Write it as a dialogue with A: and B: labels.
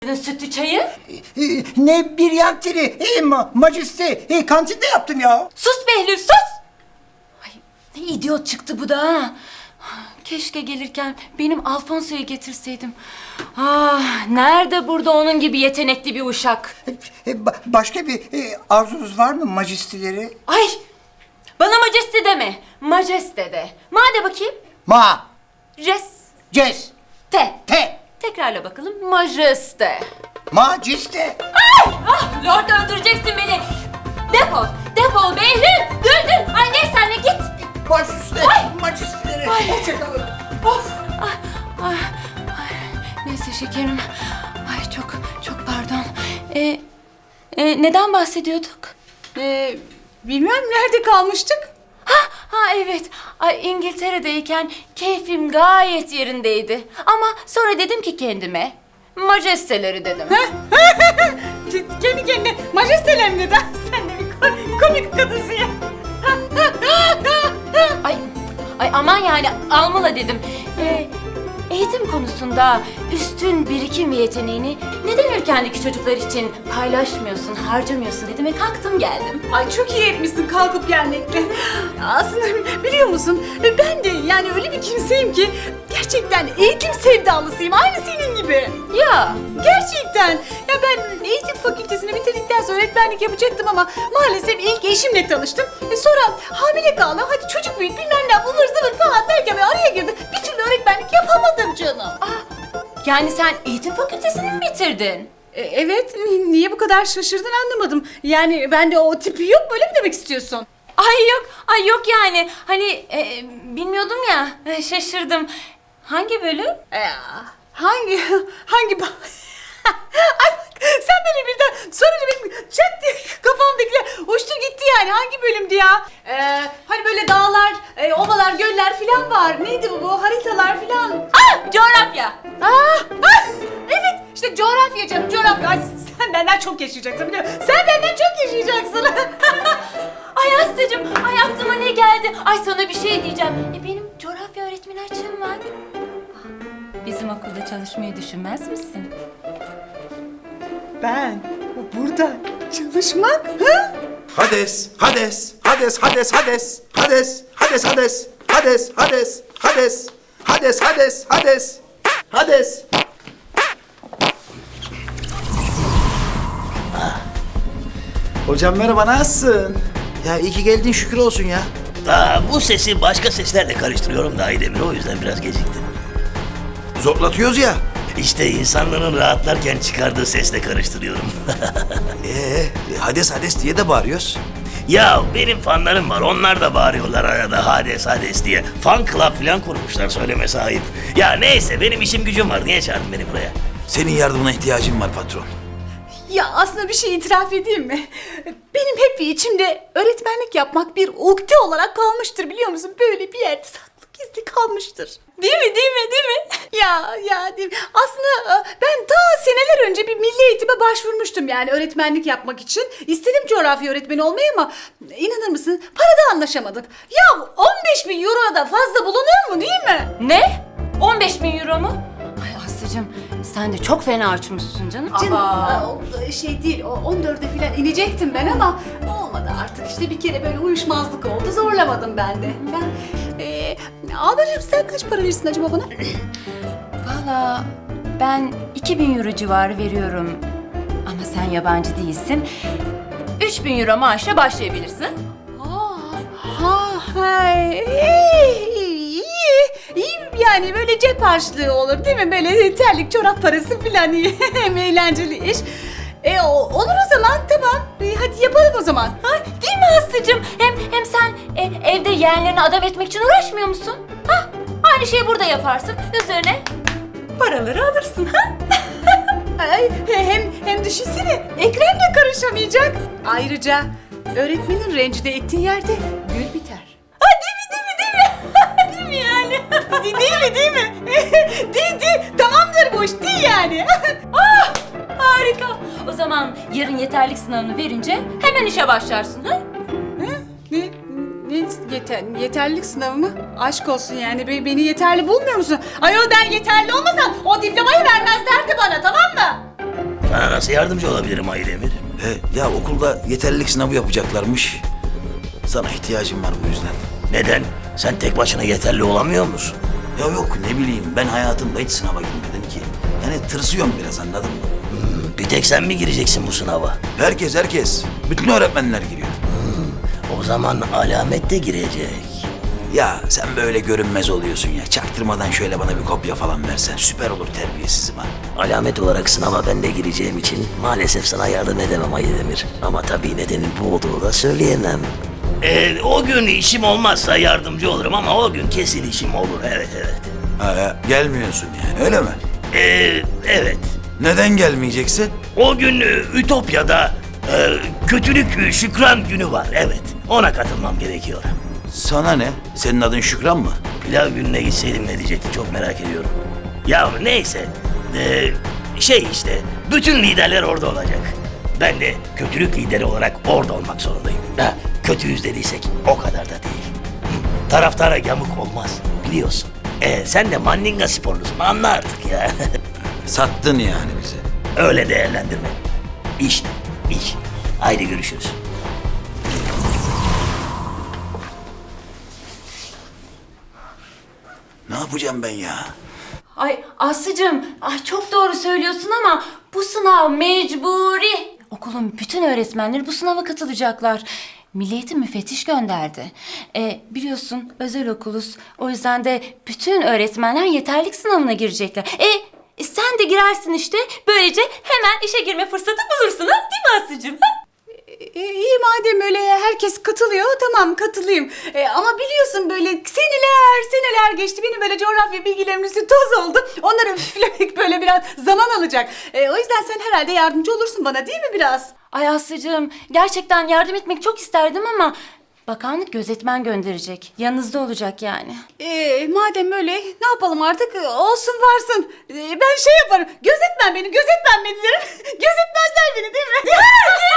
A: Sütlü çayı?
B: Ne bir yantiri, majeste, kantinde yaptım ya.
A: Sus Behlül sus! Ay ne idiot çıktı bu da ha. Keşke gelirken benim Alfonso'yu getirseydim. Ah nerede burada onun gibi yetenekli bir uşak?
B: Başka bir arzunuz var mı majesteleri?
A: Ay bana majeste deme. Majeste de. Made bakayım.
B: Ma,
A: Res.
B: ces,
A: Te.
B: te,
A: Tekrarla bakalım. Majeste.
B: majeste.
A: Ah Lord öldüreceksin beni. Defol. Defol Behlül. Düldül. Ay neyse anne git.
B: Baş üstüne
A: Ay!
B: majesteleri.
A: Ay!
B: Hoşçakalın.
A: Of. Ay. Neyse şekerim. Ay çok pardon. Neden bahsediyorduk?
C: Bilmem nerede kalmıştık?
A: Ha evet. Ay İngiltere'deyken keyfim gayet yerindeydi. Ama sonra dedim ki kendime majesteleri dedim.
C: Kendi kendine majesteler neden? Sen de bir komik kadınsın ya.
A: Ay aman yani almalı dedim. Eğitim konusunda üstün birikim ve yeteneğini neden ülkendeki çocuklar için paylaşmıyorsun, harcamıyorsun dedim ve kalktım geldim.
C: Ay çok iyi etmişsin kalkıp gelmekle. Aslında biliyor musun ben de yani öyle bir kimseyim ki gerçekten eğitim sevdalısıyım aynı senin gibi.
A: Ya
C: Gerçekten. Ya ben eğitim fakültesini bitirdikten sonra öğretmenlik yapacaktım ama maalesef ilk eşimle tanıştım. Sonra hamile kaldım. Hadi çocuk büyüt bilmem ne ıvır zıvır falan derken bir araya girdi. Bir türlü öğretmenlik yapamadım canım.
A: yani sen eğitim fakültesini mi bitirdin?
C: Evet. Niye bu kadar şaşırdın anlamadım. Yani bende o tipi yok böyle mi demek istiyorsun?
A: Ay yok yani. Hani bilmiyordum ya. Şaşırdım. Hangi bölüm?
C: Hangi Ay bak sen böyle birden sorunca benim çat diye kafamdakiler uçtu gitti yani hangi bölümdü ya? Hani böyle dağlar, ovalar, göller falan var. Neydi bu haritalar falan?
A: Coğrafya.
C: Evet işte coğrafya canım coğrafya. Ay, sen benden çok yaşayacaksın biliyor musun? Sen benden çok yaşayacaksın.
A: Ay Aslı'cığım, ay aklıma ne geldi? Ay sana bir şey diyeceğim. Benim coğrafya öğretmeni açığım var. Bizim okulda çalışmayı düşünmez misin?
C: Ben burada çalışmak? Ha?
D: Hades, Hades, Hades, Hades, Hades, Hades, Hades, Hades, Hades, Hades, Hades, Hades, Hades, Hades, Hades.
E: Hocam merhaba, nasılsın?
D: Ya iyi ki geldin şükür olsun ya.
F: Bu sesi başka seslerle karıştırıyorum da Aydemir, o yüzden biraz geciktim.
D: Zorlatıyoruz ya.
F: İşte insanların rahatlarken çıkardığı sesle karıştırıyorum.
D: Hades Hades diye de bağırıyoruz.
F: Ya benim fanlarım var, onlar da bağırıyorlar arada Hades Hades diye. Fan club falan kurmuşlar, söylemesi ayıp. Ya neyse benim işim gücüm var, niye çağırdın beni buraya?
D: Senin yardımına ihtiyacım var patron.
C: Ya aslında bir şey itiraf edeyim mi? Benim hep içimde öğretmenlik yapmak bir ukde olarak kalmıştır biliyor musun? Böyle bir yerde saklı gizli kalmıştır.
A: Değil mi? Değil mi?
C: Ya değil mi? Aslında ben ta seneler önce bir milli eğitime başvurmuştum yani öğretmenlik yapmak için. İstedim coğrafya öğretmeni olmayı ama inanır mısın parada anlaşamadık. Ya 15.000 euro da fazla bulunur mu değil mi?
A: Ne? 15.000 euro mu? Ay Aslı'cığım sen de çok fena açmışsın canım.
C: O şey değil, o 14'e falan inecektim ben ama olmadı artık işte bir kere böyle uyuşmazlık oldu, zorlamadım ben de. Ablacığım sen kaç para verirsin acaba bana?
A: Valla ben 2.000 euro civarı veriyorum. Ama sen yabancı değilsin. 3.000 euro maaşla başlayabilirsin.
C: İyi yani böyle cep harçlığı olur değil mi? Böyle terlik çorap parası falan iyi. Hem eğlenceli iş. Olur o zaman tamam. Hadi yapalım o zaman.
A: Ha, değil mi Aslı'cığım? Hem sen evde yeğenlerini adam etmek için uğraşmıyor musun? Ha? Aynı şeyi burada yaparsın. Üzerine paraları alırsın. Ha?
C: Hem düşünsene Ekrem de karışamayacak. Ayrıca öğretmenin rencide ettiği yerde gül biter.
A: Ha, değil mi? Değil mi yani?
C: Değil mi? Değil. Tamamdır bu iş değil yani.
A: Harika. O zaman yarın yeterlik sınavını verince hemen işe başlarsın. Ha?
C: Yeterlilik sınavı mı? Aşk olsun yani beni yeterli bulmuyor musun? Ayol ben yeterli olmasam o diplomayı vermezlerdi bana tamam mı?
F: Nasıl yardımcı olabilirim Aydemir?
E: Ya okulda yeterlilik sınavı yapacaklarmış. Sana ihtiyacım var bu yüzden.
F: Neden? Sen tek başına yeterli olamıyor musun?
E: Ya yok ne bileyim ben hayatımda hiç sınava girmedim ki. Yani tırsıyorum biraz anladın mı?
F: Bir tek sen mi gireceksin bu sınava?
E: Herkes. Bütün öğretmenler giriyor.
F: O zaman Alamet de girecek.
E: Ya sen böyle görünmez oluyorsun ya. Çaktırmadan şöyle bana bir kopya falan versen süper olur terbiyesizim ha.
F: Alamet olarak sınava ben de gireceğim için maalesef sana yardım edemem Aydemir. Ama tabii nedenin bu olduğunu da söyleyemem. O gün işim olmazsa yardımcı olurum ama o gün kesin işim olur. Evet.
E: Gelmiyorsun yani öyle mi?
F: Evet.
E: Neden gelmeyeceksin?
F: O gün Ütopya'da kötülük şükran günü var. Evet. Ona katılmam gerekiyor.
E: Sana ne? Senin adın Şükran mı?
F: Pilav gününe gitseydim ne diyecekti çok merak ediyorum. Ya neyse. İşte bütün liderler orada olacak. Ben de kötülük lideri olarak orada olmak zorundayım. Kötüyüz dediysek o kadar da değil. Taraftara yamuk olmaz biliyorsun. Sen de Mandinga sporlusun anla artık ya.
E: Sattın yani bizi.
F: Öyle değerlendirme. İş. Haydi görüşürüz.
E: Ne yapacağım ben ya?
A: Ay Aslı'cığım, ay çok doğru söylüyorsun ama bu sınav mecburi. Okulun bütün öğretmenleri bu sınava katılacaklar. Milli Eğitim müfettiş gönderdi. Biliyorsun özel okuluz. O yüzden de bütün öğretmenler yeterlik sınavına girecekler. Sen de girersin işte. Böylece hemen işe girme fırsatı bulursun ha? Değil mi Aslı'cığım? Ha?
C: İyi madem öyle herkes katılıyor tamam katılayım. Ama biliyorsun böyle seneler geçti. Benim böyle coğrafya bilgilerim üstü toz oldu. Onları üflemek böyle biraz zaman alacak. O yüzden sen herhalde yardımcı olursun bana değil mi biraz?
A: Ay Aslı'cığım, gerçekten yardım etmek çok isterdim ama bakanlık gözetmen gönderecek. Yanınızda olacak yani.
C: Madem öyle ne yapalım artık olsun varsın. Ben şey yaparım gözetmen beni derim. Gözetmezler beni değil mi?